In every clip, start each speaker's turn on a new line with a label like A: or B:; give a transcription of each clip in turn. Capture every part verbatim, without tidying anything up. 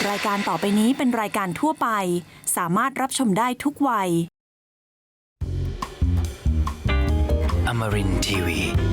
A: รายการต่อไปนี้เป็นรายการทั่วไปสามารถรับชมได้ทุกวัย
B: Amarin ที วี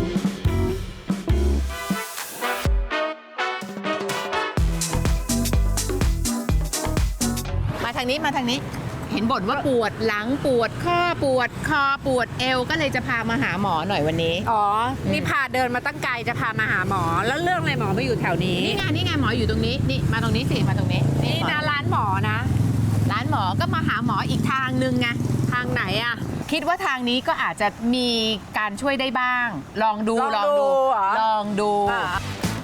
C: มาทางนี้มาทางนี้เห็นบ่นว่าปวดหลังปวดข้อปวดคอปวดเอวก็เลยจะพามาหาหมอหน่อยวันนี้
D: อ๋อ นี่พาเดินมาตั้งไกลจะพามาหาหมอ แล้วเรื่องอะไรหมอมาอยู่แถวนี้
C: นี่ไงนี่ไงหมออยู่ตรงนี้นี่มาตรงนี้สิมาตรงนี้
D: นี่นะร้านหมอนะ
C: ร้านหมอก็มาหาหมออีกทางนึงไง
D: ทางไหนอะ
C: คิดว่าทางนี้ก็อาจจะมีการช่วยได้บ้าง ลองดู
D: ลองดูเหรอ
C: ลองดู
D: อ่า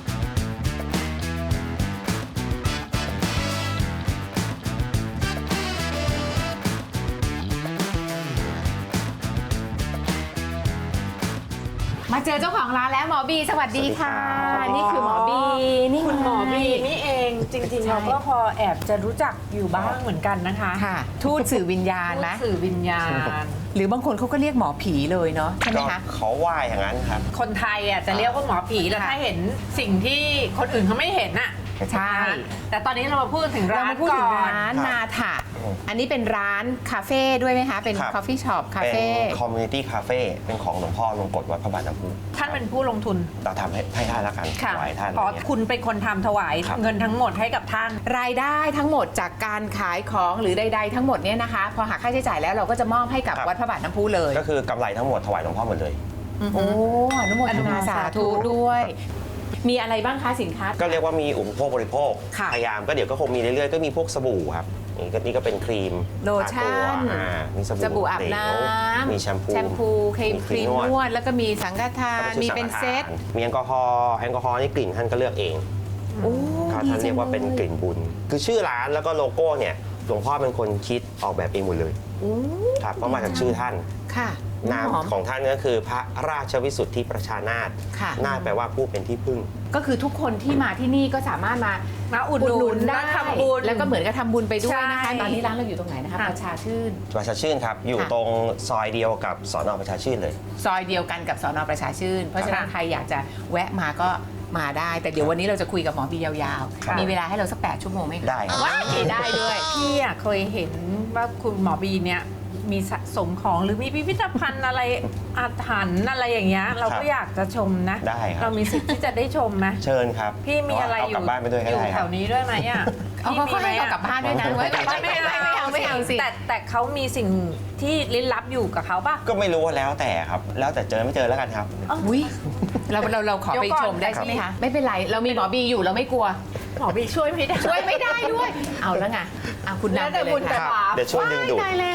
C: มาเจอเจ้าของร้านแล้วหมอบีสวัสดีค่ะ
D: สวัสดีค่ะ
C: นี่คือหมอบีนี่
D: คุณหมอบี
C: ไง
D: นี่เองจริง
C: ใช่
D: ๆเราก็พอแอบจะรู้จักอยู่บ้างเหมือนกันนะคะ
C: ค่ะทูตสื่อวิญญาณไหม
D: สื่อวิญญาณ
C: หรือบางคนเขาก็เรียกหมอผีเลยเนาะใช่ไหม
E: ก็
C: คะ
E: เขาว่าอย่างนั้นครับ
D: คนไทยอ่ะจะเรียกว่าหมอผีแล้ว
C: ค่ะ
D: ถ้าเห็นสิ่งที่คนอื่นเขาไม่เห็นน่ะ
C: ใช่
D: แต่ตอนนี้เรามาพูดถึง
C: เรา
D: ร้าน
C: มาพูดถึ
D: ก่
C: ง
D: อน
C: ร้าน
E: ครับ
C: นาถะ
E: อืม
C: อันนี้เป็นร้านคาเฟ่ด้วยไหมคะ เป็น
E: ครับ
C: คอฟฟี่ช็อปคา
E: เป็น
C: เฟ่
E: คอมมูนิตี้คาเฟ่เป็นของหลวงพ่อลงกฎวัดพระบาทน้ำพุ
D: ท่านเป็นผู้ลงทุน
E: เราทำให้ให้ท่านละกันถวายท่าน
D: อ๋อ
E: อะไรเงี้ย
D: คุณเป็นคนทำถวาย
E: ครับ
D: เงินทั้งหมดให้กับท่าน
C: รายได้ทั้งหมดจากการขายของหรือใด ๆ ทั้งหมดเนี่ยนะคะ พอหักค่าใช้จ่ายแล้วเราก็จะมอบให้กับวัดพระบาทน้ำพุเลย
E: ก็คือกำไรทั้งหมดถวายหลวงพ่อหมดเลย
C: โอ้อนุโมทนาสาธุด้วย มีอะไรบ้างคะสินค้า
E: ก็เรียกว่ามีอุปโภคบริโภค
C: ค่ะ
E: พยายามก็เดี๋ยวก็คงมีเรื่อยๆก็มีพวกสบู่ครับนี่ก็นี่ก็เป็นครีม
C: โลชั่น
E: ทาตัวอ่ามีส
C: สบู่อาบ
E: เหล
C: น้
E: ว
C: ำ
E: มีแชมพู
C: แชมพูครีมครีมนวดแล้วก็มีสังฆทาน
E: แล้วก็ชุด
C: มี
E: สังฆ
C: เป็นเซต
E: ทานมีแอลกอฮอล์แอลกอฮอล์นี่กลิ่นท่านก็เลือกเอง
C: โอ้
E: เขา
C: ดี
E: ท่าน
C: จั
E: เรีย
C: ง
E: กว่าเป็นกลิ่นบุญ คือชื่อร้านแล้วก็โลโก้เนี่ยหลวงพ่อเป็นคนคิดออกแบบเองหมดเลย
C: โอ้
E: ครับก็มาจากชื่อท่าน
C: ค่ะ
E: นาม
C: หอม
E: ของท่านก็คือพระราชวิสุทธิประชานาถ
C: ค่ะ
E: นาถแปลว่าผู้เป็นที่พึ่ง
C: ก็คือทุกคนที่มาที่นี่ก็สามารถมา
D: มาอุดหนุน
C: ได้
D: มาทำบุญ
C: แล้วก็เหมือนกับทำบุญไปด้วยนะคะ
D: ใช่
C: ตอนนี้ร้านเราอยู่ตรงไหนนะคะ
D: ค่ะ
C: ประชาชื่น
E: ประชาชื่นครับ อยู่
C: ค่ะ
E: ตรงซอยเดียวกับสอนอประชาชื่นเลย
C: ซอยเดียวกันกับสอนอประชาชื่น เพราะฉะนั้น
D: ค่ะ
C: ใครอยากจะแวะมาก็มาได้ แต่เดี๋ยววันนี้เราจะคุยกับหมอบียาว
E: ครับ
C: ๆ มีเวลาให้เราสักแปดชั่วโมงไหมคะ
E: ได้ครับ
C: ว้ายได้ด้วย
D: พี่อะเคยเห็นว่าคุณหมอบีเนี่ยมีสะสมของหรือมีพิพิธภัณฑ์อะไรอาถรรพ์อะไรอย่างเงี้ยเราก็อยากจะชมนะ
E: ได้ครับ
D: เรามีสิทธิ์ที่จะได้ชมไหม
E: เชิญครับ
D: พี่มีอะไร
E: เา
D: อยู่
E: กลับบ้านไปด้วยก็
D: อยู่
E: ได้
D: แถ
E: ครับ
D: วนี้ด้วยไหมอ่ะ
C: เอาเขาก็ให้เรากลับบ้านด้วยนะไว้กลับบ้าน
D: ไม่
C: ไม่
D: เอา
C: เอาไม่เอาไม่เอาสิ
D: แต่แต่เขามีสิ่งที่ลี้ลับอยู่กับเขาป่ะ
E: ก็ไม่รู้ว่าแล้วแต่ครับ แล้วแต่เจอไม่เจอแล้วกันครับ
C: อุ้ยเราเราเราขอไป
D: เดี๋ยวก่อน
C: ชมได้ใช่ไหมคะไม่เป็นไรเรามีหมอบีอยู่เราไม่กลัว
D: หมอบีช่วยไม่ได้
C: ช่วยไม่ได้ด้วย เอาแล้วไงอ่ะคุณ
D: แล้ว
C: นำไป
D: แต่
C: เล
D: บุญ
C: ย
D: แต่
C: ค่ะ
D: บาป
E: เดี๋ยวช่วยดึงดูด
C: ตายแล้ว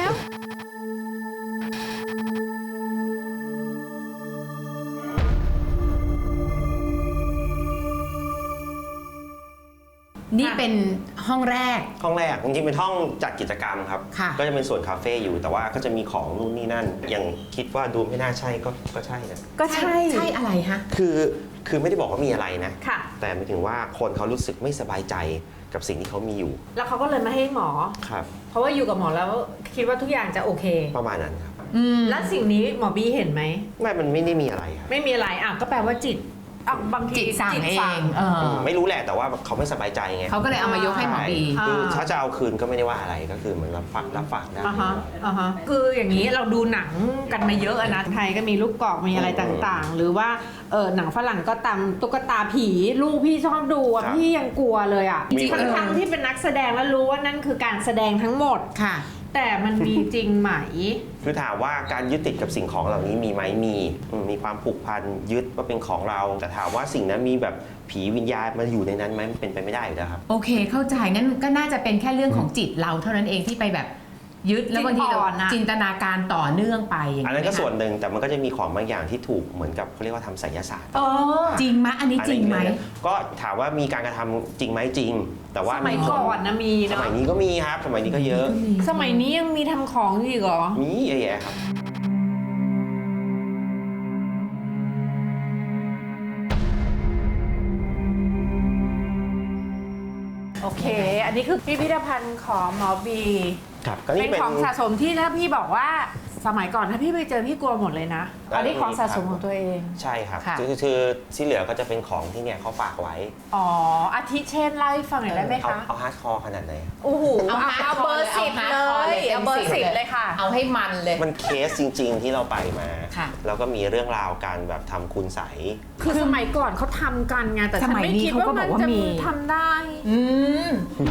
C: นี่เป็นห้องแรก
E: ห้องแรกจริงๆเป็นห้องจัดกิจกรรมครับ
C: ค่ะ
E: ก็จะเป็นส่วนคาเฟ่อยู่แต่ว่าก็จะมีของนู่นนี่นั่น อย่างคิดว่าดูไม่น่าใช่ก็ก็ใช่นะ
D: ก็ใช่
C: ใช่อะไรฮะ
E: คือคือไม่ได้บอกว่ามีอะไรนะ
D: ค่ะ
E: แต่หมายถึงว่าคนเขารู้สึกไม่สบายใจกับสิ่งที่เขามีอยู่
D: แล้วเขาก็เลยมาให้หมอ
E: ครับ
D: เพราะว่าอยู่กับหมอแล้วคิดว่าทุกอย่างจะโอเค
E: ประมาณนั้นครับ
C: อืม
D: แล้วสิ่งนี้หมอบีเห็นไหม
E: ไม่มันไม่ได้มีอะไรครับ
D: ไม่มีอะไรอ่ะก็แปลว่าจิตอ่ะบางที
C: จิตสั่งเองเออ
E: ไม่รู้แหละแต่ว่าเขาไม่สบายใจไง
C: เขาก็เลยเอามายกให้หมอบี
E: ใช่คือถ้าจะเอาคืนก็ไม่ได้ว่าอะไรก็คือเหมือนรับฝากรับฝากได้
D: อ่าฮะอ่าฮะคืออย่างนี้เราดูหนังกันมาเยอะอะนะไทยก็มีลูกกอกมีอะไรต่างๆ หรือว่าเออหนังฝรั่งก็ตามตุ๊กตาผีลูกพี่ชอบดูอะ
E: ครับ
D: พี่ยังกลัวเลยอ่ะ
E: มี
D: ทั้งทั้งๆที่เป็นนักแสดงแล้วรู้ว่านั่นคือการแสดงทั้งหมด
C: ค่ะ
D: แต่มันมีจริงไหม
E: คือถามว่าการยึดติดกับสิ่งของเหล่านี้มีไหมมีอืมมีความผูกพันยึดว่าเป็นของเรา แต่ถามว่าสิ่งนั้นมีแบบผีวิญญาณมาอยู่ในนั้นไหมมันเป็นไปไม่ได้อยู่แล้วครับ
C: โอเคเข้าใจงั้นก็น่าจะเป็นแค่เรื่องของจิตเราเท่านั้นเองที่ไปแบบยึดแล้วบางทีเรา
D: จิตอ่อนอะ
C: จินตนาการต่อเนื่องไปอย่าง
E: อัน
C: นี้
E: นั้นก็
C: ไหมคะ
E: ส่วนหนึ่งแต่มันก็จะมีของบางอย่างที่ถูกเหมือนกับเขาเรียกว่าทำไสยศาสตร์
D: เออ
C: จริงไหมอันนี้จริงไหม
E: อันนี้ก็ถามว่ามีการกระทำจริงไหมจริง แต่ว่า
D: สมัยก่อนนะมี
E: ส
D: เนาะ
E: มัยนี้ก็มีครับ สมัยนี้ก็เยอะ
D: สมัยนี้ยังมีทำของอยู่อีกเหรอ
E: มีเยอะแยะครับ
D: โอเค อันนี้คือพิพิธภัณฑ์ของหมอบี
E: ครับก็นี่
D: เป็น
E: เป็น
D: ของสะสมที่ถ้าพี่บอกว่าสมัยก่อนถ้าพี่ไปเจอพี่กลัวหมดเลยนะ อันนี้ของสะสมของตัวเอง
E: ใช่ครับ
C: ค่ะ
E: คือคือที่เหลือก็จะเป็นของที่เนี่ยเขาฝากไว้
D: อ๋ออาทิเช่นเล่าให้ฟังหน่อยได้ไหม
E: เอา
D: คะ
E: เอาฮาร์ดคอร์ขนาดไหน
D: โอ้โห
C: เอา
D: เอาเบอร์สิบเลย เอาเบอร์สิบเลยค่ะ
C: เอาให้มันเลย
E: มันเคสจริง ๆ ที่เราไปมา
C: ค่ะ
E: แล้วก็มีเรื่องราวการแบบทำคุณใสย
D: คือสมัยก่อนเขาทำกันไงแต่ฉันไม่คิดว่ามันจะทำได้
C: อืม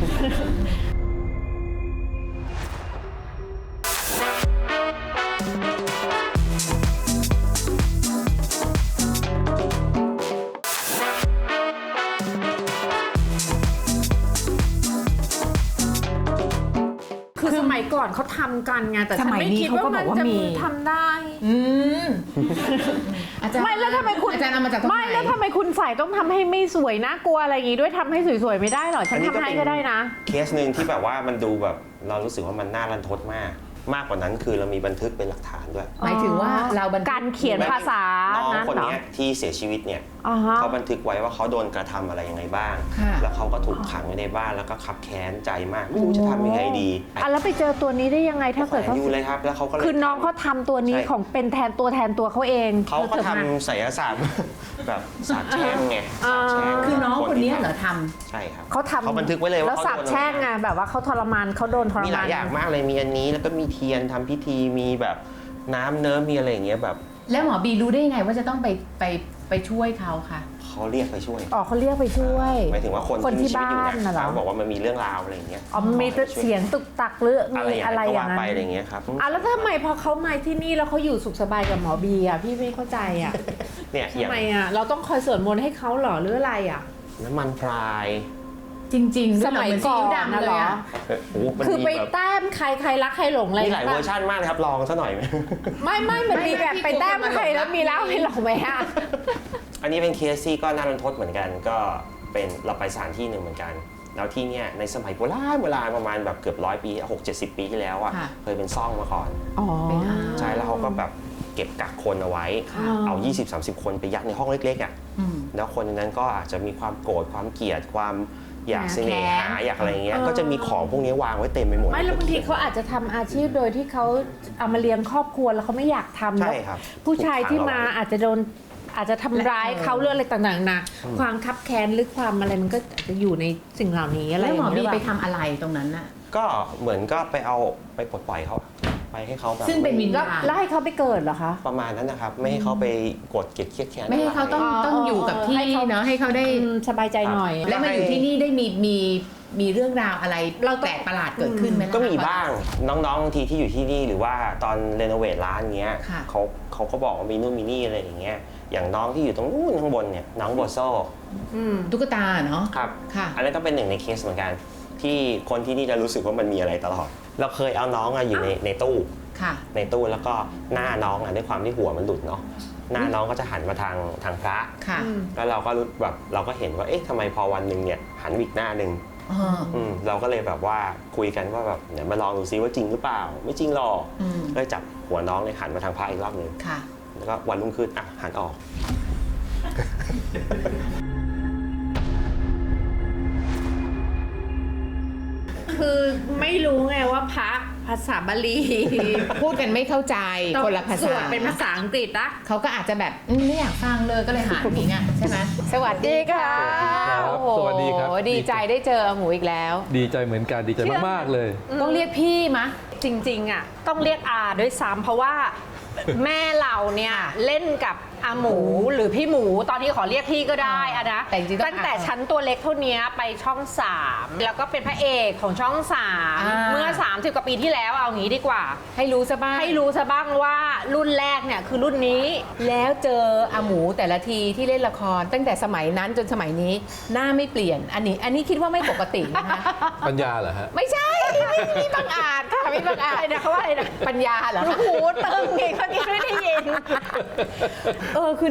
D: คือสมัยก่อนเขาทำกันไงแต่ฉันไม่คิดว่ามันจะทำได้
C: อืมอาจารย์
D: ไม่แล้วทำไมคุณ
C: อาจารย์เอามาจากตรงไหน
D: ไม่แล้วทำไมคุณใส่ต้องทำให้ไม่สวยนะกลัวอะไรอย่างงี้ด้วยทำให้สวยๆไม่ได้หรอฉันทำให้ก็ได้นะ
E: เคสหนึ่งที่แบบว่ามันดูแบบเรารู้สึกว่ามันน่ารันทดมาก มากกว่านั้นคือเรามีบันทึกเป็นหลักฐานด้วย
C: หมายถึงว่าเราบันทึก
D: การเขียนภาษา
E: น้อง
D: นะ
E: คน
D: เหรอ
E: เนี้ยที่เสียชีวิตเนี่ย
D: อ่าฮะ
E: เขาบันทึกไว้ว่าเขาโดนกระทำอะไรยังไงบ้าง
C: ค่ะ
E: แล้วเขาก็ถูกขังไว้ในบ้านแล้วก็ขับแค้นใจมากไม่รู้จะทำยังไงดี
D: อ่ะแล้วไปเจอตัวนี้ได้ยังไงถ้า
E: แขว
D: เกิด
E: น
D: เขา
E: อยู่เลยครับแล้วเขาก็เลย
D: คือน้องเขาทำตัวนี้
E: ใช่
D: ของเป็นแทนตัวแทนตัวเขาเอง
E: เขาก็
D: ธอ
E: ทำ
D: มา
E: ไสยศาสตร์ แบบสาบแช่งไง
D: อ่า
E: สาบแช่ง
C: คือน้องคนนี้
E: ที่
C: เหรอท
E: ใช่ครับ
D: เขาทำ
E: เขาบันทึกไว้เลยว่า
D: แล้ว
E: เขา
D: สาบ
E: โดน
D: แช่งไงแบบว่าเขาทรมานเขาโดนทร
E: มีห
D: มา
E: ลาน ยอย่างมากเลยมีอันนี้แล้วก็มีเทียนทำพิธีมีแบบน้ำเนิ้มมีอะไรอย่างเงี้ยแบบ
C: ำแล้วหมอบีรู้ได้ยังไงว่าจะต้องไปไปไปช่วยเขาค่ะ
E: เขาเรียกไปช่วย
D: อ๋อเขาเรียกไปช่วย
E: หมายถึงว่าคน
D: คนที่
E: มีชีวิตอยู่
D: บ้านน่ะเหรอ
E: เขาบอกว่ามันมีเรื่องราวอะไรอย่างเงี้ย
D: อ๋อมีเสียงตุกตักหรือ
E: อะไร
D: มี
E: อย่าง
D: อะไร
E: เงี้ยก็
D: อย่า
E: ว่าง
D: นั้น
E: ไปอะไรอย่างเงี้ยครับ
D: อ่ะแล้วทำไมพอเขามาที่นี่แล้วเขาอยู่สุขสบายกับหมอบีอ่ะพี่ไม่เข้าใจอ่ะ
E: เนี่ยอย่า
D: ทำ
E: ง
D: ไมอ่ะเราต้องคอยสวดมนต์ให้เขาเหรอหรืออะไรอ่ะ
E: น้ำมันพราย
C: จริงๆ
D: สมัยก่อน
C: เหซีอิ๊วดำ
D: นะ
C: เล
D: เหร
C: ย
D: อ
C: อะ
E: โอ้โหมัน
D: คือ
E: มี
D: ไป
E: แบบ
D: แต้มใครใครรักใครหลงอะไร
E: มีหลายเวอร์ชันมากเลยครับลองซะหน่อยไหม
D: ไม่ไม่มันมีแบบไปแต้มใครแล้วมีแล้วให้หลงไหมอ่ะ
E: อันนี้เป็นเคสที่ก็น่ารันทดเหมือนกันก็เป็นเราไปสถานที่หนึ่งเหมือนกัน แล้วที่เนี่ยในสมัยโบราณโบราณประมาณแบบเกือบร้อยปีหกเจ็ดสิบปีที่แล้วอ่ะ
C: ค่ะ
E: เคยเป็นซ่องมาก่อน
D: อ๋อ
C: เป็นอา
E: ใช่แล้วเขาก็แบบเก็บกักคนเอาไว้
D: ค่ะ
E: เอา ยี่สิบสามสิบ คนไปยัดในห้องเล็กๆอ่ะ
C: อืม
E: แล้วคนในนั้นก็อาจจะมีความโกรธความเกลียดความอยาก
C: แค้น
E: เสน่หาอยากอะไรเงี้ยก็จะมีของพวกนี้วางไว้เต็มไปหมด
D: ไม่แล้วบางทีเขาอาจจะทำอาชีพโดยที่เขาเอามาเลี้ยงครอบครัวแล้วเขาไม่อยากทำ
E: ใช่
D: แล้ว
E: ครับ
D: ผู้ชายที่มา
E: ถูกขังเอไว้
D: อาจจะโดนอาจจะทำร้ายเขาเรื่องอะไรต่างๆนะความคับแค้นหรือความอะไรมันก็อาจจะอยู่ในสิ่งเหล่านี้อะไร
C: แล้วหมอ
D: อย่าง
C: บี
D: เงี้ย
C: ไปทำอะไรตรงนั้นน่ะ
E: ก็เหมือนก็ไปเอาไปปลดปล่อยเขาไปให้เขาแบบ
C: ซึ่งเป็นวิญ
D: แล้ว
C: ญาณ
D: แล้วให้เขาไปเกิดเหรอคะ
E: ประมาณนั้นนะครับ ไม่ให้เขาไปกดเกลียดเครียดแค้น
C: ไม่ให้เขาต้อง
D: อ๋อ
C: ต้องอยู่กับที่
D: ให้เขา
C: เนาะให้เขาได้
D: อืมสบายใจหน่อย
C: และมาอยู่ที่นี่ได้มีมีมีเรื่องราวอะไร
D: เราต้อง
C: แปลกประหลาดเกิดขึ้นไหมล่ะ
E: ก็มีบ้างน้องๆบางทีที่อยู่ที่นี่หรือว่าตอนเรโนเวทร้านเงี้ย
C: ค่ะ
E: เขาเขาก็บอกว่ามีนู่นมีนี่อะไรอย่างเงี้ยอย่างน้องที่อยู่ตรงนู้นข้างบนเนี่ยน้องโบโซ
D: อืม
C: ตุ๊กตาเนาะ
E: ครับ
C: ค่ะ
E: อันนั้นก็เป็นหนึ่งในเคสเหมือนกัน ที่คนที่นี่จะรู้สึกว่ามันมีอะไรตลอด เราเคยเอาน้องอะอยู่ในในตู้
C: ค่ะ
E: ในตู้แล้วก็หน้าน้องอะด้วยความที่หัวมันหลุดเนาะหน้าน้องก็จะหันมาทางทางพระ
C: ค่ะ
D: อืม
E: แล้วเราก็รู้แบบเราก็เห็นว่าเอ๊ะทำไมพอวันหนึ่งเนี่ยหันอีกหน้าหนึ่ง
C: อ๋อ
E: อืมเราก็เลยแบบว่าคุยกันว่าแบบเดี๋ยวมาลองดูซิว่าจริงหรือเปล่า ไม่จริงหรอก
C: อืม
E: ก็เลยจับหัวน้องเลยหันมาทางพระอีกรอบหนึ่ง
C: ค่ะ
E: แล้วก็วันรุ่งขึ้นอ่ะหันออก
D: คือไม่รู้ไงว่าพระภาษาบาลี
C: พูดกันไม่เข้าใจคนละภา
D: ส
C: ษา
D: วดเป็นภาษาอังกฤษนะ
C: เขาก็อาจจะแบบอืมไม่อยากฟังเลยก็เลยหาอย่างนี้ไงใช่ไหมสวัสดีค่ะ
F: ครับ
C: โอ้โห
F: สวัสดีครับ
C: ดีใจได้เจอหมูอีกแล้ว
F: ดีใจเหมือนกันดีใจมากๆเลย
C: ต้องเรียกพี่มะ
D: จริงๆอ่ะต้องเรียกอาด้วยซ้ำเพราะว่าแม่เราเนี่ยเล่นกับอาหมูหรือพี่หมูตอนนี้ขอเรียกพี่ก็ได้อะนะ
C: แต่จริงๆต้อง
D: ตั้งแต่
C: อา
D: ชั้นตัวเล็กเท่านี้ไปช่องสามแล้วก็เป็นพระเอกของช่องสาม
C: อ่า
D: เมื่อสามสิบกว่าปีที่แล้วเอางี้ดีกว่า
C: ให้รู้ซะบ้าง
D: ให้รู้ซะบ้างว่ารุ่นแรกเนี่ยคือรุ่นนี้
C: แล้วเจออาหมูแต่ละทีที่เล่นละคร ตั้งแต่สมัยนั้นจนสมัยนี้หน้าไม่เปลี่ยน อันนี้อันนี้คิดว่าไม่ปกตินะคะ
F: ปัญญาเหรอฮะ
C: ไม่ใช่ไม่มีบังอาจค่ะไม่บังอาจ
D: อะไรนะเขาว่าอะไรนะ
C: ปัญญาเหรอคะ
D: หูตึงไงเขาที่ไม่ได้ยิน
C: เออคือหน้า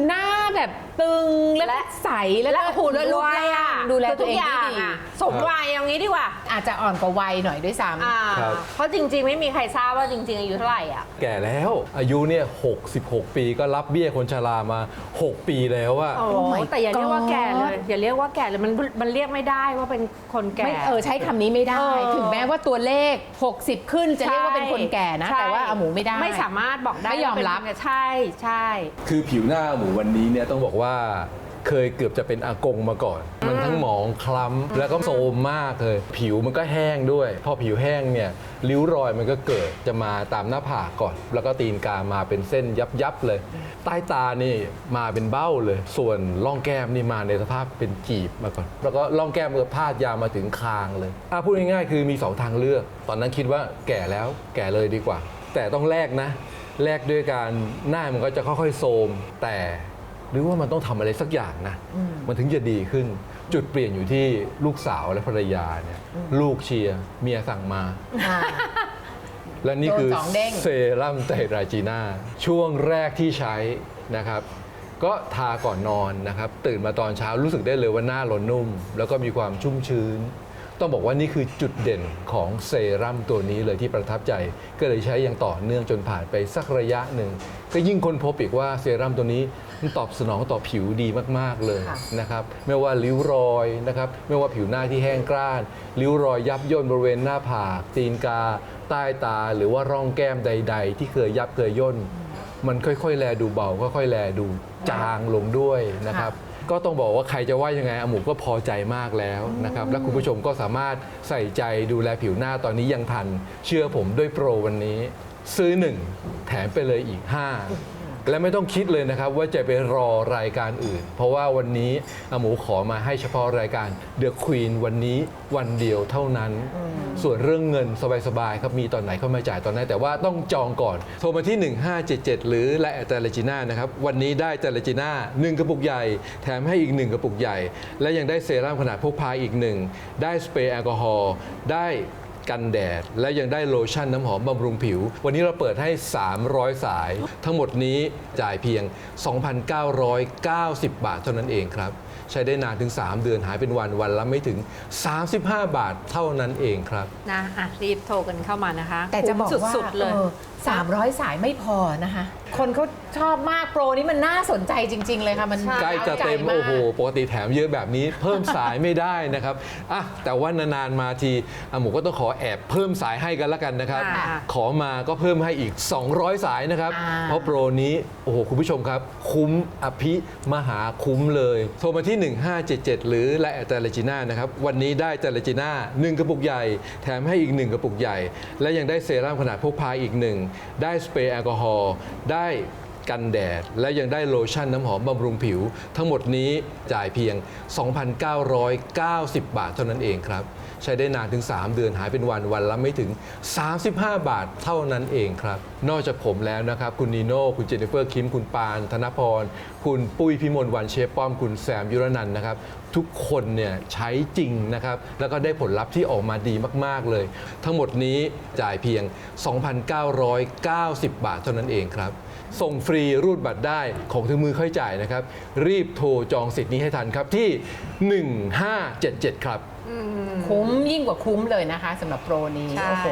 C: แบบตึงแล้วก็ใสแล้วก็
D: หุ่น
C: รูป
D: วัย
C: ร่า
D: อ่ะ
C: งดูแล
D: คือ
C: ตัวเอง
D: ทุก
C: ได้
D: ย่า
C: ดี
D: อะสมวัยเอางี้ดีกว่า
C: อาจจะอ่อนกว่าวัยหน่อยด้วยซ้ำ
D: อ่า
F: ครับ
D: เพราะจริงๆ ไม่มีใครทราบว่าจริง ๆ อายุเท่าไหร่อ่ะ
F: แก่แล้วอายุเนี่ยหกสิบหกปีก็รับเบี้ยคนชรามา หก ปีแล้วอะ
D: โอ้
C: Oh my
D: แต่อย่าเรียกว่า
C: God
D: แก่เลย อย่าเรียกว่าแก่เลยมันมันเรียกไม่ได้ว่าเป็นคนแก่
C: ไม่เออใช้คำนี้ไม่ได้
D: เออ
C: ถึงแม้ว่าตัวเลข หกสิบ ขึ้นจะเรียกว่าเป็นคนแก่นะ
D: ใช่
C: แต่ว่าอาหมูไม่ได้
D: ไม่สามารถบอกได้
C: ไม่ยอมรับ
D: ว่าเป็นคนแก่ใช่ใช่
F: คือผิวหน้าหมูวันนี้เนี่ยต้องบอกว่าเคยเกือบจะเป็นอากงมาก่อน มันทั้งหมองคล้ำแล้วก็โทรมมากเลย ผิวมันก็แห้งด้วย พอผิวแห้งเนี่ยริ้วรอยมันก็เกิดจะมาตามหน้าผากก่อน แล้วก็ตีนกามาเป็นเส้นยับยับๆเลย ใต้ตานี่มาเป็นเบ้าเลย ส่วนร่องแก้มนี่มาในสภาพเป็นจีบมาก่อน แล้วก็ร่องแก้มก็พาดยาวมาถึงคางเลยอ่ะพูดง่ายๆคือมีสองทางเลือก ตอนนั้นคิดว่าแก่แล้วแก่เลยดีกว่า แต่ต้องแลกนะ แลกด้วยการหน้ามันก็จะค่อยๆโทรมแต่หรือว่ามันต้องทำอะไรสักอย่างนะ มันถึงจะดีขึ้น จุดเปลี่ยนอยู่ที่ลูกสาวและภรรยาเนี่ยลูกเชียร์เมียสั่งมา
C: อ่า
F: และนี่คือ
C: โดนสองเด้ง
F: เซรั่มไตรราจีน่าช่วงแรกที่ใช้นะครับ ก็ทาก่อนนอนนะครับ ตื่นมาตอนเช้ารู้สึกได้เลยว่าหน้าเรานุ่ม แล้วก็มีความชุ่มชื้น ต้องบอกว่านี่คือจุดเด่นของเซรั่มตัวนี้เลยที่ประทับใจ ก็เลยใช้อย่างต่อเนื่องจนผ่านไปสักระยะหนึ่ง ก็ยิ่งค้นพบอีกว่าเซรั่มตัวนี้มันตอบสนองต่อผิวดีมากๆเลยนะครับไม่ว่าริ้วรอยนะครับไม่ว่าผิวหน้าที่แห้งกร้านริ้วรอยยับย่นบริเวณหน้าผากตีนกา ใต้ตาหรือว่าร่องแก้มใด ๆ ที่เคยยับเคยย่น มันค่อยๆ แลดูเบาค่อยๆ แลดูจางลงด้วยนะครับ ก็ต้องบอกว่าใครจะว่ายังไงอาหมูก็พอใจมากแล้วนะครับ และคุณผู้ชมก็สามารถใส่ใจดูแลผิวหน้าตอนนี้ยังทัน เชื่อผมด้วยโปรวันนี้ ซื้อหนึ่งแถมไปเลยอีกห้าและไม่ต้องคิดเลยนะครับว่าจะไปรอรายการอื่น เพราะว่าวันนี้อาหมูขอมาให้เฉพาะรายการ The Queen วันนี้วันเดียวเท่านั้น ส่วนเรื่องเงินสบายๆครับมีตอนไหนเข้ามาจ่ายตอนนั้นแต่ว่าต้องจองก่อน โทรมาที่ หนึ่งห้าเจ็ดเจ็ด หรือไลน์แอทเตเลจิน่านะครับ วันนี้ได้เตเลจิน่าหนึ่งกระปุกใหญ่ แถมให้อีกหนึ่งกระปุกใหญ่ และยังได้เซรั่มขนาดพกพาอีกหนึ่งได้สเปรย์แอลกอฮอล์ได้กันแดดและยังได้โลชั่นน้ำหอมบำรุงผิว วันนี้เราเปิดให้ สามร้อย สาย ทั้งหมดนี้จ่ายเพียง สองพันเก้าร้อยเก้าสิบ บาทเท่านั้นเองครับ ใช้ได้นานถึง สาม เดือนหายเป็นวันวันละไม่ถึง สามสิบห้า บาทเท่านั้นเองครับ
D: นะอ่ะรีบโทรกันเข้ามานะคะ
C: แต่จะบอกว่า
D: สุดๆเลย
C: สามร้อยสายไม่พอนะคะ คนเขาชอบมากโปรนี้มันน่าสนใจจริง ๆ เลยค่ะ มัน
F: ใกล้จะเต็ม
C: าาก
F: โอ้โห ปกติแถมเยอะแบบนี้ เพิ่มสายไม่ได้นะครับอ่ะแต่ว่านานๆมาทีอาหมูก็ต้องขอแอบเพิ่มสายให้กันละกันนะครับ
D: อ่า
F: ขอมาก็เพิ่มให้อีก สองร้อย สายนะครับ
C: อ่า
F: เพราะโปรนี้โอ้โหคุณผู้ชมครับ คุ้มอภิมหาคุ้มเลย โทรมาที่ หนึ่งห้าเจ็ดเจ็ด หรือไลน์แอทเตเลจิน่านะครับวันนี้ได้เตเลจิน่าหนึ่งกระปุกใหญ่แถมให้อีกหนึ่งกระปุกใหญ่ และยังได้เซรั่มขนาดพกพาอีกหนึ่งได้สเปรย์แอลกอฮอล์ได้กันแดดและยังได้โลชั่นน้ำหอมบำรุงผิว ทั้งหมดนี้จ่ายเพียง สองพันเก้าร้อยเก้าสิบ บาทเท่านั้นเองครับ ใช้ได้นานถึง สาม เดือนหายเป็นวันวันละไม่ถึง สามสิบห้า บาทเท่านั้นเองครับ นอกจากผมแล้วนะครับ คุณนีโน่คุณเจนนิเฟอร์คิมคุณปานธนพร คุณปุ้ยพิมลวันเชฟป้อมคุณแซมยุรนันท์นะครับ ทุกคนเนี่ยใช้จริงนะครับ แล้วก็ได้ผลลัพธ์ที่ออกมาดีมาก ๆ เลย ทั้งหมดนี้จ่ายเพียง สองพันเก้าร้อยเก้าสิบ บาทเท่านั้นเองครับ ส่งฟรีรูดบัตรได้ของถึงมือค่อยจ่ายนะครับ รีบโทรจองสิทธิ์นี้ให้ทันครับที่ หนึ่งห้าเจ็ดเจ็ด ครับ
C: คุ้มยิ่งกว่าคุ้มเลยนะคะสำหรับโปรนี้
D: ใช่
C: โอ้โห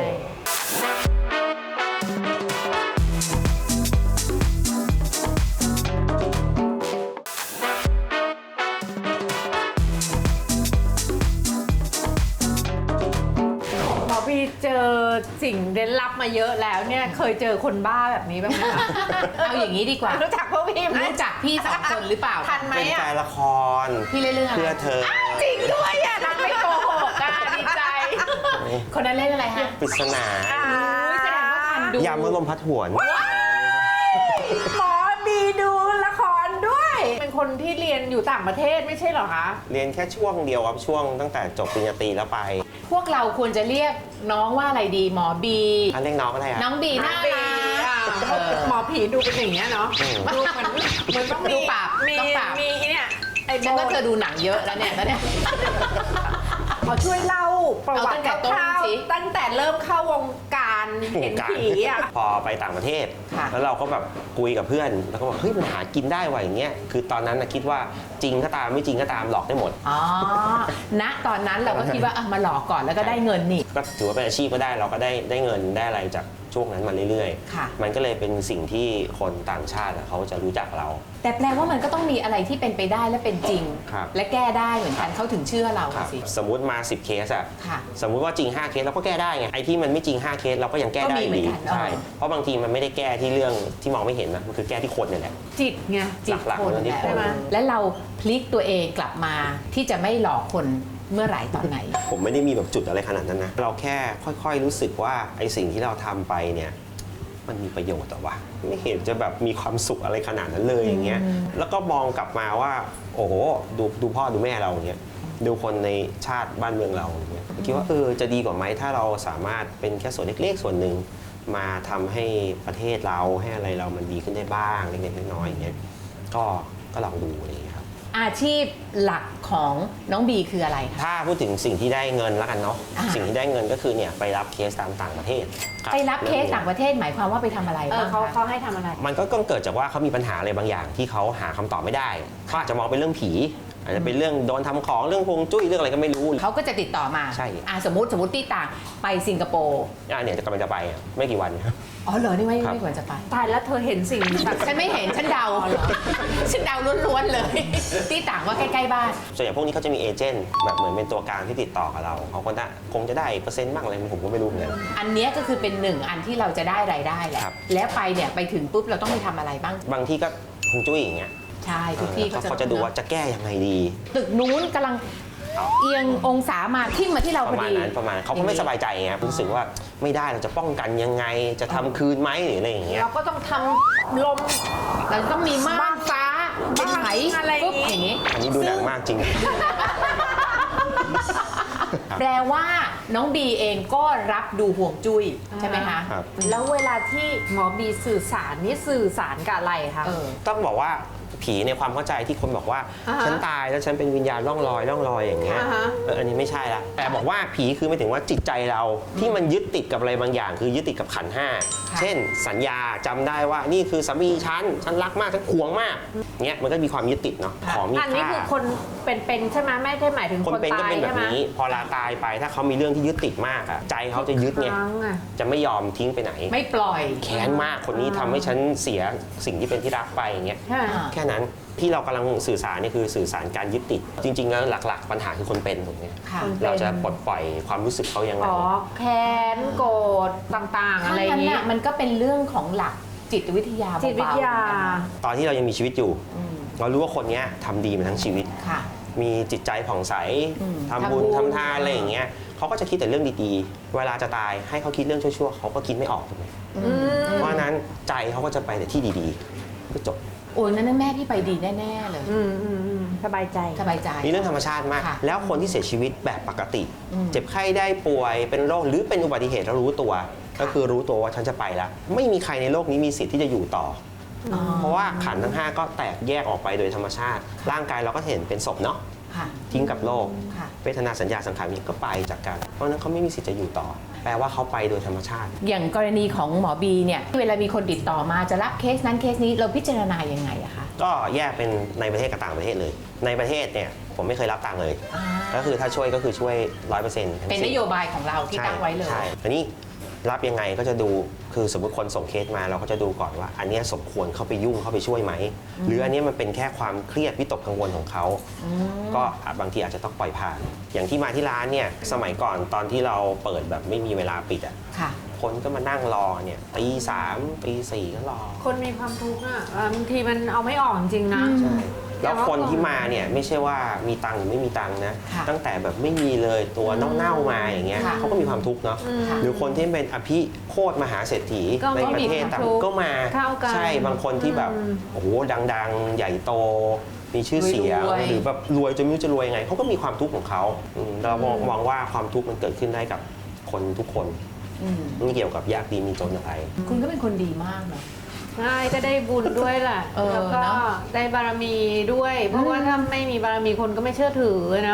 D: หมอพี่เจอสิ่งเร้นลับมาเยอะแล้วเนี่ยเคยเจอคนบ้าแบบนี้บ้างไหมคะ
C: เอาอย่างนี้ดีกว่า
D: รู้จักพวกพี่ไหม
C: รู้จักพี่สองคนหรือเปล่า
D: ทันไหม
E: เป็นแฟ
D: อ่ะ
E: นละคร
C: พี่เล่นเรื่องอะไร
E: เพื่อเธอ
D: จริงด้วยอ่ะนางไม่โกหกอ่ะดีใจ
C: คนนั้นเล่นอะไรฮะ
E: ปริศนา
C: อุ๊ยแสดงว่าทันดู
E: ยามเมื่อลมพัดหวน
D: หมอบีดูละครด้วย เป็นคนที่เรียนอยู่ต่างประเทศไม่ใช่เหรอคะ
E: เรียนแค่ช่วงเดียวครับช่วงตั้งแต่จบปริญญาตรีแล้วไป
C: พวกเราควรจะเรียกน้องว่าอะไรดีหมอบี
E: อันเรียกน้องอะไรอ่ะ
C: น้องบีน่ารัก
D: อ่าหมอผีดูเป็นอย่างเงี้ยเนาะ
E: อืม
D: ดูมันมันต้องมี
C: ดูปาก
D: มี
C: ต้องปาก
D: มีเนี่ยไอ้โบ
C: ฉันก็เธอดูหนังเยอะแล้วเนี่ยแล้วเนี่ย
D: ขอช่วยเล่าประวัติ
C: เอาตั้งแต่ต้น
D: คร่าว
C: สิ
D: ๆตั้งแต่เริ่มเข้าวงการเห็นผีอ่ะ
E: พอไปต่างประเทศ
C: ค่ะ
E: แล้วเราก็แบบคุยกับเพื่อนแล้วก็บอกเฮ้ยมันหากินได้ว่ะอย่างเงี้ยคือตอนนั้นนะคิดว่าจริงก็ตามไม่จริงก็ตามหลอกได้หมด
C: อ๋อ ณ ตอนนั้นเราก็คิดว่าอ่ะมาหลอกก่อนแล้วก็ได้เงินนี่
E: ก็ถือว่าเป็นอาชีพก็ได้เราก็ได้ได้เงินได้อะไรจากช่วงนั้นมาเรื่อย
C: ค่ะ
E: ๆ มันก็เลยเป็นสิ่งที่คนต่างชาติอะเขาจะรู้จักเรา
C: แต่แปลว่ามันก็ต้องมีอะไรที่เป็นไปได้และเป็นจริง
E: ครับ
C: และแก้ได้เหมือนกันเขาถึงเชื่อเรา
E: ครับ
C: สิ
E: สมมุติมาสิบเคสอะ
C: ค่ะ
E: สมมุติว่าจริงห้าเคสเราก็แก้ได้ไงไอ้ที่มันไม่จริงห้าเคสเราก็ยังแก้ได้
C: ก็มีเหมื
E: ดี
C: อนกัน
E: ใช่
C: เออ
E: เพราะบางทีมันไม่ได้แก้ที่เรื่องที่มองไม่เห็นนะมันคือแก้ที่คนเนี่ยแหละ
D: จิตไงจิต
E: หลักๆ
D: คน
E: มันอยู่ที่
D: ใช่ไหม
C: และเราพลิกตัวเองกลับมาที่จะไม่หลอกคนเมื่อไหร่ตอนไหน
E: ผมไม่ได้มีแบบจุดอะไรขนาดนั้นนะเราแค่ค่อยๆรู้สึกว่าไอ้สิ่งที่เราทำไปเนี่ยมันมีประโยชน์แต่ว่าไม่เห็นจะแบบมีความสุขอะไรขนาดนั้นเลยอย่างเงี้ยแล้วก็มองกลับมาว่าโอ้โหดูดูพ่อดูแม่เราอย่างเงี้ยดูคนในชาติบ้านเมืองเราอย่างเงี้ยคิดว่าเออจะดีกว่าไหมถ้าเราสามารถเป็นแค่ส่วนเล็กๆส่วนหนึ่งมาทำให้ประเทศเราให้อะไรเรามันดีขึ้นได้บ้างเล็กๆน้อยๆอย่างเงี้ยก็ก็ลองดูอะไรอย่างเงี้ยครับ
C: อาชีพหลักของน้องบีคืออะไรคะ
E: ถ้าพูดถึงสิ่งที่ได้เงินแล้วกันเนาะ
C: อ่า
E: สิ่งที่ได้เงินก็คือเนี่ยไปรับเคสตามต่างประเทศค
C: ไปรับเคสต่างประเทศหมายความว่าไปทำอะไร
D: เออ
C: บ้าง
D: เขา
C: คะ
D: เขาให้ทำอะไร
E: มันก็ต้องเกิดจากว่าเขามีปัญหาอะไรบางอย่างที่เขาหาคำตอบไม่ได้เขาอาจจะมองเป็นเรื่องผี อาจจะเป็นเรื่องโดนทำของเรื่องฮวงจุ้ยเรื่องอะไรก็ไม่รู้
C: เขาก็จะติดต่อมา
E: ใช่
C: อ่ะสมมติสมมติที่ต่างไปสิงคโปร์
E: อ่าเนี่ยจะกำลังจะไปอ่ะไม่กี่วัน
C: อ๋อเหรอนี่ไม่
E: ครับ
C: ไม่ควรจะไป
D: ตายแล้วเธอเห็นสิ่งแบบ
C: ฉันไม่เห็นฉันเดาเหรอฉันเดาล้วนๆเลย ที่ต่างว่าใกล้ๆบ้าน
E: ส่วนใหญ่พวกนี้เขาจะมีเอเจนต์แบบเหมือนเป็นตัวกลางที่ติดต่อกับเราเขาก็ได้คงจะได้เปอร์เซ็นต์บ้างอะไรผมก็ไม่รู้เหมือนกัน
C: อันเนี้ยก็คือเป็นหนึ่งอันที่เราจะได้รายได้แหละ
E: ครับ
C: แล้วไปเนี่ยไปถึงปุ๊บเราต้องไปทำอะไรบ้าง
E: บางที่ก็ฮวงจุ้ยอย่างเงี้ย
C: ใช่ทุกที่
E: เขา
C: ก็
E: เขาจะดูว่าจะแก้ยังไงดี
C: ตึกนู้นกำลัง
E: เอา
C: เอียงองศามาทิ่มมาที่เรา
E: ป
C: พอ
E: ระมาณ
C: ดี
E: นั้นประมาณนั้นเขาก็ไม่สบายใจไงรู้สึกว่าไม่ได้เราจะป้องกันยังไงจะทำคืนไหมหรืออะไรอย่างเงี้ย
D: เราก็ต้องทำลม
C: เราต้องมีม่านฟ้าเป็นไหม
D: อะไรอย่างงี้
C: ปุ๊บอย่างนี้
E: อันนี้ดูหนังมากจริง
C: แปลว่าน้องบีเองก็รับดูห่วงจุ้ยใช่ไหมคะ
E: ครับ
D: แล้วเวลาที่หมอบีสื่อสารนี่สื่อสารกับอะไรคะ
C: เออ
E: ต้องบอกว่าผีในความเข้าใจที่คนบอกว่า
D: อ่าฮะ
E: ฉันตายแล้วฉันเป็นวิญญาณล่องลอยล่องลอยอย่างเงี้ย
D: อ่าฮะ
E: เอออันนี้ไม่ใช่ละแต่บอกว่าผีคือไม่ถึงว่าจิตใจเราที่มันยึดติดกับอะไรบางอย่าง คือยึดติดกับขันธ์ห้า
C: ค่ะ
E: เช่น สัญญาจำได้ว่านี่คือสามีฉันฉันรักมากฉันหวงมากเงี้ยมันก็มีความยึดติดเนาะของมี
D: อันนี้
E: ค่า
D: คือคนเป็นๆใช่ไหมไม่ได้หมายถึง
E: คน
D: คน
E: เป็นก็
D: ตาย
E: เป็นแบ
D: ใช่
E: บ
D: ไหม
E: นี้ พอลาตายไปถ้าเขามีเรื่องที่ยึดติดมากอะใจเขาจะยึดไง
D: ครั้งอะ
E: จะไม่ยอมทิ้งไปไหน
C: ไม่ปล่อย
E: แค้นมากคนนี้ทำให้ฉันเสียสิ่งที่เป็นที่รักไปอย่างเงี้ย
D: ใช่ไหม
C: อ่า
E: แค่นั้นที่เรากำลังสื่อสารนี่คือสื่อสารการยึดติด จริงๆแล้วหลักๆ ปัญหาคือคนเป็นถูกไหม
C: ค่ะ
E: เราจะปลดปล่อยความรู้สึกเขายังไง
D: อ๋อแค้นโกรธต่างๆ
C: ถ้า
D: อะไรอย่าง
C: งั้น
D: นี้
C: น่ะมันก็เป็นเรื่องของหลักจิตวิทยาเบาๆ
D: จิตวิทยา
C: เหมือนกันนะ
E: ตอนที่เรายังมีชีวิตอยู่
C: อืม
E: เรารู้ว่าคนเนี้ยทำดีมาทั้งชีวิต
C: ค่ะ
E: มีจิตใจผ่องใส
C: อืม
E: ทำบุญ
C: ทำบุญ
E: ทำทานอะไรอย่างเงี้ยเขาก็จะคิดแต่เรื่องดีๆ เวลาจะตายให้เขาคิดเรื่องชั่วๆเขาก็คิดไม่ออกถูกไหม
C: อืม
E: เพราะฉะนั้นใจเขาก็จะไปแต่ที่ดีๆก็จบ
C: โอ้ยนั่นแม่พี่ไปดีแน่ๆเลย
D: อืมอืมอืมสบายใจ
C: สบายใจ
E: นี่เรื่องธรรมชาติมาก
C: ค่ะ
E: แล้วคนที่เสียชีวิตแบบปกติ
C: อืม
E: เจ็บไข้ได้ป่วยเป็นโรคหรือเป็นอุบัติเหตุแล้วรู้ตัว ก็คือรู้ตัวว่าฉันจะไปแล้ว ไม่มีใครในโลกนี้มีสิทธิ์ที่จะอยู่ต่อ
C: อ๋อ
E: อเพราะว่าขันธ์ทั้งห้าก็แตกแยกออกไปโดยธรรมชาติ ร่างกายเราก็เห็นเป็นศพเนาะ
C: ค่ะ
E: ทิ้งกับโลก
C: ค่ะ
E: เวทนาสัญญาสังขารวิญญาณก็ไปจากกัน เพราะฉะนั้นเขาไม่มีสิทธิ์จะอยู่ต่อ แปลว่าเขาไปโดยธรรมชาติ
C: อย่างกรณีของหมอบีเนี่ยเวลามีคนติดต่อมาจะรับเคสนั้นเคสนี้เราพิจารณายังไงอะคะ
E: ก็แยกเป็นในประเทศกับต่างประเทศเลย ในประเทศเนี่ยผมไม่เคยรับตังค์เลย
C: อ่า
E: ก็คือถ้าช่วยก็คือช่วยร้อยเปอร์เซ็นต์
C: เป็นนโยบายของเราที่ตั้งไว้เลย
E: ใช่อันนี้รับยังไงก็จะดูคือสมมติคนส่งเคสมาเราก็จะดูก่อนว่า อันเนี้ยสมควรเข้าไปยุ่งเข้าไปช่วยไหม หรืออันเนี้ยมันเป็นแค่ความเครียดวิตกกังวลของเขา ก็อาจบางทีอาจจะต้องปล่อยผ่าน อย่างที่มาที่ร้านเนี่ยสมัยก่อนตอนที่เราเปิดแบบไม่มีเวลาปิดอ่ะ
C: ค่ะ
E: คนก็มานั่งรอเนี่ยตีสามตีสี่ก็รอ
D: คนมีความทุกข์อ่ะบางทีมันเอาไม่ออกจริงๆนะ
E: ใช่แล้ว
D: แต่ว่า
E: คนที่มาเนี่ยไม่ใช่ว่ามีตังค์หรือไม่มีตังค์นะ
C: ค่ะ
E: ตั้งแต่แบบไม่มีเลยตัวเน่าๆมาอย่างเงี้ย
C: ค่ะ
E: เขาก็มีความทุกข์เนาะ
D: อืม
E: หรือคนที่เป็นอภิโคตรมหาเศรษฐี
D: ก็
E: ในประเทศ
D: ก็มีความ
E: ต่าง
D: ทุกข์
E: ก็มา
D: เท่ากัน
E: ใช่บางคนที่แบบ
D: อืม
E: โอ้โหดังๆ ใหญ่โต มีชื่อเสียง
C: รวยๆ
E: หรือแบบรวยจนไม่รู้จะรวยยังไงเขาก็มีความทุกข์ของเขาอืมเรามองมองว่าความทุกข์มันเกิดขึ้นได้กับคนทุกคน
C: อืม
E: ไม่เกี่ยวกับยากดีมีจนอะไร
C: คุณก็เป็นคนดีมากเนาะ
D: ใช่ก็ได้บุญด้วยแหละ
C: เออ
D: แล้วก็
C: เนอะ
D: ได้บารมีด้วย เพราะว่าถ้าไม่มีบารมีคนก็ไม่เชื่อถือเนาะ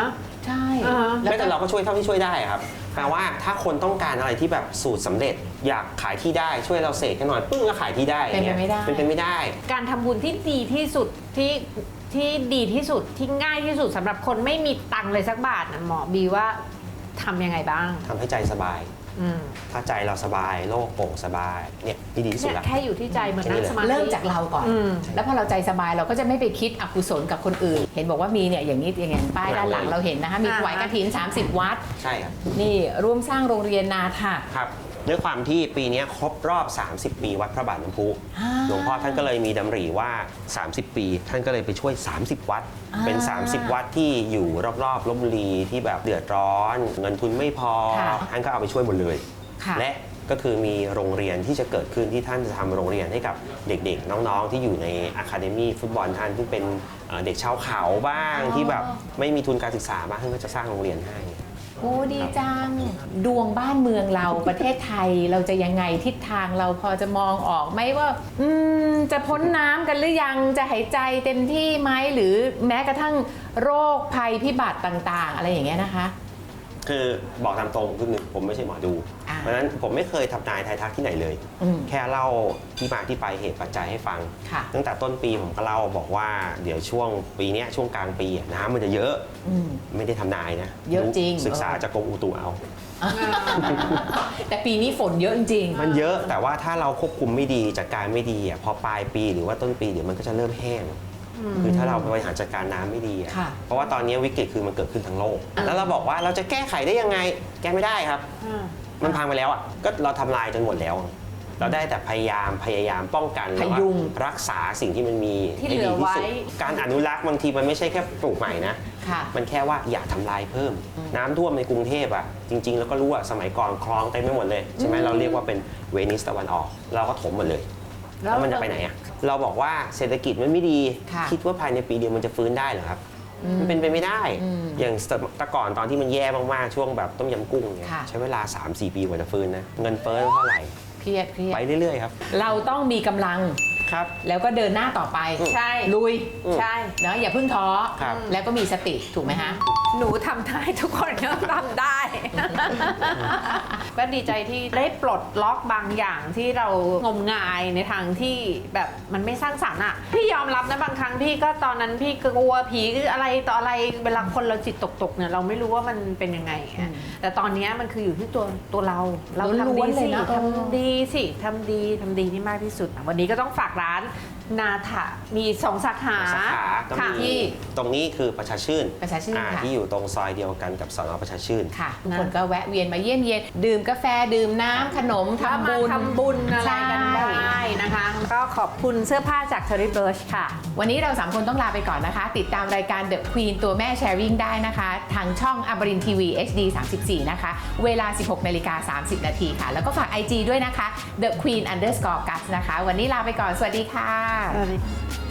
C: ใช่
D: อ่าฮะ
C: แล้ว
E: ไม่แต่เราก็ช่วยเท่าที่ช่วยได้ครับแปลว่าถ้าคนต้องการอะไรที่แบบสูตรสำเร็จอยากขายที่ได้ช่วยเราเสกให้หน่อยปึ้งก็ขายที่ได้
C: เป็นไปไม่ได้
E: เป็นไปไม่ได้
D: การทำบุญที่ดีที่สุดที่ที่ดีที่สุดที่ง่ายที่สุดสำหรับคนไม่มีตังค์เลยสักบาทนะหมอบีว่าทำยังไงบ้าง
E: ทำให้ใจสบาย
D: อืม
E: ถ้าใจเราสบายโลกโปร่งสบายเนี่ยที่ดีที่สุด
D: เนี่ย
E: ละ
D: แค่อยู่ที่ใจเหมือนนั่งสมาธิ
C: เริ่มจากเราก่อน
D: อืม
C: แล้วพอเราใจสบายเราก็จะไม่ไปคิดอกุศลกับคนอื่น เห็นบอกว่ามีเนี่ยอย่างนี้อย่างเงี้ยป้ายด้านหลังเราเห็นนะคะมีถวายกฐิน สามสิบ วัด
E: ใช่ครับ
C: นี่ร่วมสร้างโรงเรียนนาถะ
E: ครับด้วยความที่ปีนี้ครบรอบ สามสิบ ปีวัดพระบาทน้ำพุ
C: อ่า
E: หลวงพ่อท่านก็เลยมีดำริว่า สามสิบ ปี ท่านก็เลยไปช่วย สามสิบ วัด
C: อ่า
E: เป็น สามสิบ วัดที่อยู่รอบๆลพบุรีที่แบบเดือดร้อน เงินทุนไม่พอ
C: ค่ะ
E: ท่านก็เอาไปช่วยหมดเลย
C: ค่ะ
E: และก็คือมีโรงเรียนที่จะเกิดขึ้นที่ท่านจะทำโรงเรียนให้กับเด็กๆ น้องๆ ที่อยู่ในอะคาเดมี่ฟุตบอลท่านที่เป็นเอ่อเด็กชาวเขาบ้างที่แบบไม่มีทุนการศึกษาบ้างท่านก็จะสร้างโรงเรียนให้
C: โอ้ดีจัง ดวงบ้านเมืองเรา ประเทศไทยเราจะยังไงทิศทางเราพอจะมองออกไหมว่าอืมจะพ้นน้ำกันหรือยังจะหายใจเต็มที่ไหมหรือแม้กระทั่งโรคภัยพิบัติต่างๆ อะไรอย่างเงี้ยนะคะ
E: คือบอกตามตรงคือหนึ่งผมไม่ใช่หมอดู
C: อ่า
E: เพราะฉะนั้นผมไม่เคยทำนายทายทักที่ไหนเลย
C: อืม
E: แค่เล่าที่มาที่ไปเหตุปัจจัยให้ฟัง
C: ค่ะ
E: ตั้งแต่ต้นปีผมก็เล่าบอกว่าเดี๋ยวช่วงปีเนี้ยช่วงกลางปีอะน้ำมันจะเยอะ
C: อืม
E: ไม่ได้ทำนายนะ
C: เยอะจริง
E: ศึกษาจากกรมอุตุเอา
C: แต่ปีนี้ฝนเยอะจริง
E: มันเยอะแต่ว่าถ้าเราควบคุมไม่ดีจัดการไม่ดีอะพอปลายปีหรือว่าต้นปีเดี๋ยวมันก็จะเริ่มแห้ง คือถ้าเราบริหารจัดการน้ำไม่ดีอะ
C: ค่ะ
E: เพราะว่าตอนนี้วิกฤตคือมันเกิดขึ้นทั้งโลก แล้วเราบอกว่าเราจะแก้ไขได้ยังไง แก้ไม่ได้ครับ มันพังไปแล้วอ่ะก็เราทำลายจนหมดแล้ว เราได้แต่พยายามพยายามป้องกัน
C: พยุง
E: รักษาสิ่งที่มันมี
D: ที่
E: ให้
D: เหลื
E: ดี
D: อ
E: ที่
D: ไว้
E: สุดการอนุรักษ์บางทีมันไม่ใช่แค่ปลูกใหม่นะ
C: ค่ะ
E: มันแค่ว่าอย่าทำลายเพิ่ม น้ำท่วมในกรุงเทพอ่ะจริงๆ แล้วก็รู้ว่าสมัยก่อนคลองเต็มไปหมดเลยใช่ไหมเราเรียกว่าเป็นเวนิสตะวันออก เราก็ถมหมดเลย แล้วมันจะไปไหนอ่ะเราบอกว่าเศรษฐกิจมันไม่ดี
C: ค่ะ
E: คิดว่าภายในปีเดียวมันจะฟื้นได้เหรอครับ มันเป็นไปไม่ได้
C: อืม
E: อย่างแต่ก่อนตอนที่มันแย่มากๆช่วงแบบต้มยำกุ้งเนี่ย
C: ค่ะ
E: ใช้เวลา สามสี่ ปีกว่าจะฟื้นนะเงินเฟ้อเท่าไหร่
C: เครียดเครียด
E: ไปเรื่อยๆครับ
C: เราต้องมีกำลัง
E: ครับ
C: แล้วก็เดินหน้าต่อไป
D: ใช่
C: ลุย
E: อืม
D: ใช่
C: เนาะอย่าเพิ่งท้อ
E: ครับ
C: แล้วก็มีสติถูกไหมฮะ
D: หนูทำได้ทุกคนก็ทำได้ ก็ดีใจที่ได้ปลดล็อกบางอย่างที่เรางมงายในทางที่แบบมันไม่สร้างสรรค์อ่ะ พี่ยอมรับนะบางครั้งพี่ก็ตอนนั้นพี่ก็กลัวผีอะไรต่ออะไรเวลาคนเราจิตตกๆเนี่ยเราไม่รู้ว่ามันเป็นยังไงอะแต่ตอนเนี้ยมันคืออยู่ที่ตัวตัวเรา เราทำ
C: ล้
D: ดี
C: วนๆเล
D: สิ
C: ยนะ
D: ทำดีสิทำดีทำดีที่มากที่สุดอะวันนี้ก็ต้องฝากร้านนาถะมีสองสาขา
E: สาขาก็
D: ค่ะ
E: มีตรงนี้คือประชาชื่น
C: ประชาชื่น
E: อ่
C: ค่ะ
E: ที่อยู่ตรงซอยเดียวกันกับสนประชาชื่น
C: ค่ะทุกคนก็แวะเวียนมาเยี่ยมเยียนดื่มกาแฟดื่มน้ำขนม
D: ถ้า
C: ทำ
D: มา
C: บุญ
D: ทำบุญอะไรกัน
C: ใช่
D: ได้นะคะ ก็ขอบคุณเสื้อผ้าจาก Terry Birch ค่ะ
C: วันนี้เราสามคนต้องลาไปก่อนนะคะ ติดตามรายการ The Queen ตัวแม่ Sharing ได้นะคะ ทางช่องอมรินทีวี เอช ดี สามสิบสี่ นะคะ เวลา สิบหกนาฬิกาสามสิบนาทีค่ะ แล้วก็ฝาก ไอ จี ด้วยนะคะ The Queen underscore Gus นะคะ วันนี้ลาไปก่อน สวัสดีค่ะ
D: สวัสดี